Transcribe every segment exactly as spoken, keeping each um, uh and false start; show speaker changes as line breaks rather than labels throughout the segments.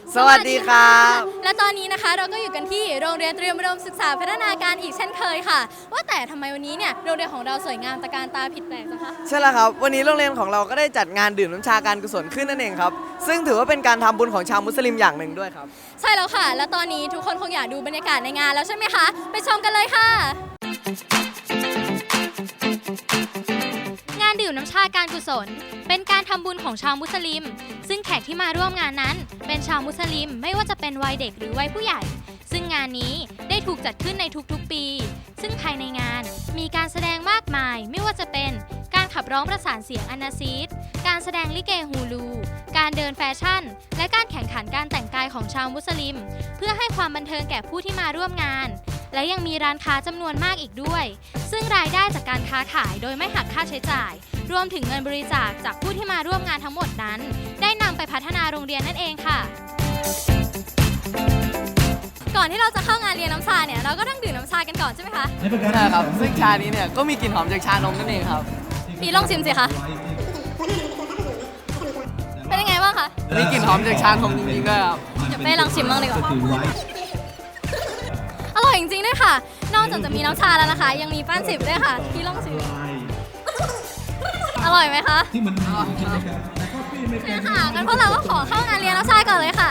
สวัสดีครับ
และตอนนี้นะคะเราก็อยู่กันที่โรงเรียนเตรียมอุดมศึกษาพัฒนาการอีกเช่นเคยค่ะว่าแต่ทำไมวันนี้เนี่ยโรงเรียนของเราสวยงามตะการตาผิดแปลกจังคะ
ใช่แล้วครับวันนี้โรงเรียนของเราก็ได้จัดงานดื่มน้ำชาการกุศลขึ้นนั่นเองครับซึ่งถือว่าเป็นการทำบุญของชาวมุสลิมอย่างหนึ่งด้วยครับ
ใช่แล้วค่ะ และตอนนี้ทุกคนคงอยากดูบรรยากาศในงานแล้วใช่ไหมคะไปชมกันเลยค่ะ
งานดื่มน้ำชาการกุศลเป็นการทำบุญของชาวมุสลิมซึ่งแขกที่มาร่วมงานนั้นเป็นชาวมุสลิมไม่ว่าจะเป็นวัยเด็กหรือวัยผู้ใหญ่ซึ่งงานนี้ได้ถูกจัดขึ้นในทุกๆปีซึ่งภายในงานมีการแสดงมากมายไม่ว่าจะเป็นการขับร้องประสานเสียงอันนาซีดการแสดงลิเกฮูลู การเดินแฟชั่น และการแข่งขันการแต่งกายของชาวมุสลิมเพื่อให้ความบันเทิงแก่ผู้ที่มาร่วมงานและยังมีร้านค้าจำนวนมากอีกด้วยซึ่งรายได้จากการค้าขายโดยไม่หักค่าใช้จ่ายรวมถึงเงินบริจาคจากผู้ที่มาร่วมงานทั้งหมดนั้นได้นำไปพัฒนาโรงเรียนนั่นเองค่ะ
ก่อนที่เราจะเข้างานเรียนน้ำชาเนี่ยเราก็ต้องดื่มน้ำชากันก่อนใช่ไหมคะ
ใช่ครับซึ่งชานี้เนี่ยก็มีกลิ่นหอมจากชานมนั่นเองครับ
พี่ลองชิมสิคะเป็นยังไงบ้างคะ
มีกลิ่นหอมจากชานมจริงๆด้วยครับ
เดี๋ยวเป้ลองชิมบ้างดีกว่าอร่อยจริงๆด้วยค่ะ นอกจากจะมีน้ำชาแล้วนะคะ ยังมีป้านสิบด้วยค่ะพี่ลองชิมอร่อยไหมคะใช่ค่ะงั้นพวกเราก็ขอเข้างานเรียนน้ำชาก่อนเลยค่ะ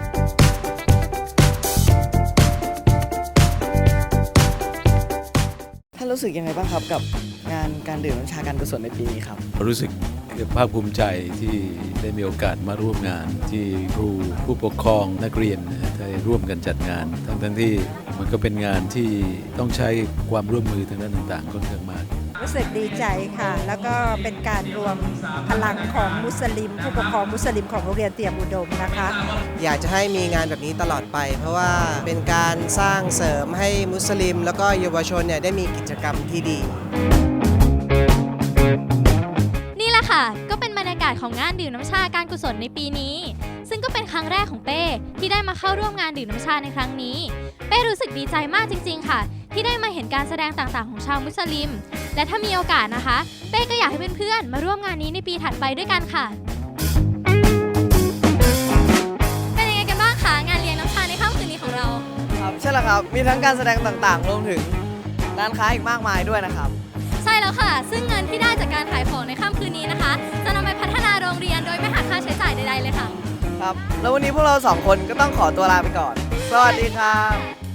ท่านรู้สึกยังไงบ้างครับกับงานการดื่มน้ำชาการกุศลในปีนี้ครับ
รู้สึกภาคภูมิใจที่ได้มีโอกาสมาร่วมงานที่ครูผู้ปกครองนักเรียนได้ร่วมกันจัดงาน ทั้งทั้งที่มันก็เป็นงานที่ต้องใช้ความร่วมมือทางด้านต่างๆค่อนข้างมาก
รู้สึกดีใจค่ะแล้วก็เป็นการรวมพลังของมุสลิมผู้ปกครองมุสลิมของโรงเรียนเตรียมอุดมนะคะ
อยากจะให้มีงานแบบนี้ตลอดไป เพราะว่าเป็นการสร้างเสริมให้มุสลิม แล้วก็เยาวชนเนี่ยได้มีกิจกรรมที่ดี
นี่แหละค่ะก็เป็นบรรยากาศของงานดื่มน้ำชาการกุศลในปีนี้ซึ่งก็เป็นครั้งแรกของเป้ที่ได้มาเข้าร่วมงานดื่มน้ำชาในครั้งนี้เป้รู้สึกดีใจมากจริงๆค่ะที่ได้มาเห็นการแสดงต่างๆของชาวมุสลิมและถ้ามีโอกาสนะคะเป้ก็อยากให้เพื่อนๆมาร่วมงานนี้ในปีถัดไปด้วยกันค่ะ
เป็นยังไงกันบ้างคะงานเลี้ยงน้ำชาในค่ำคืนนี้ของเรา
ครับใช่แล้วครับมีทั้งการแสดงต่างๆรวมถึงร้านค้าอีกมากมายด้วยนะครับ
ใช่แล้วค่ะซึ่งเงินที่ได้จากการขายของในค่ำคืนนี้นะคะจะนำไปพัฒนาโรงเรียนโดยไม่หักค่าใช้จ่ายใดๆเลยค่ะ
ครับแล้ววันนี้พวกเราสองคนก็ต้องขอตัวลาไปก่อนสวัสดีครับ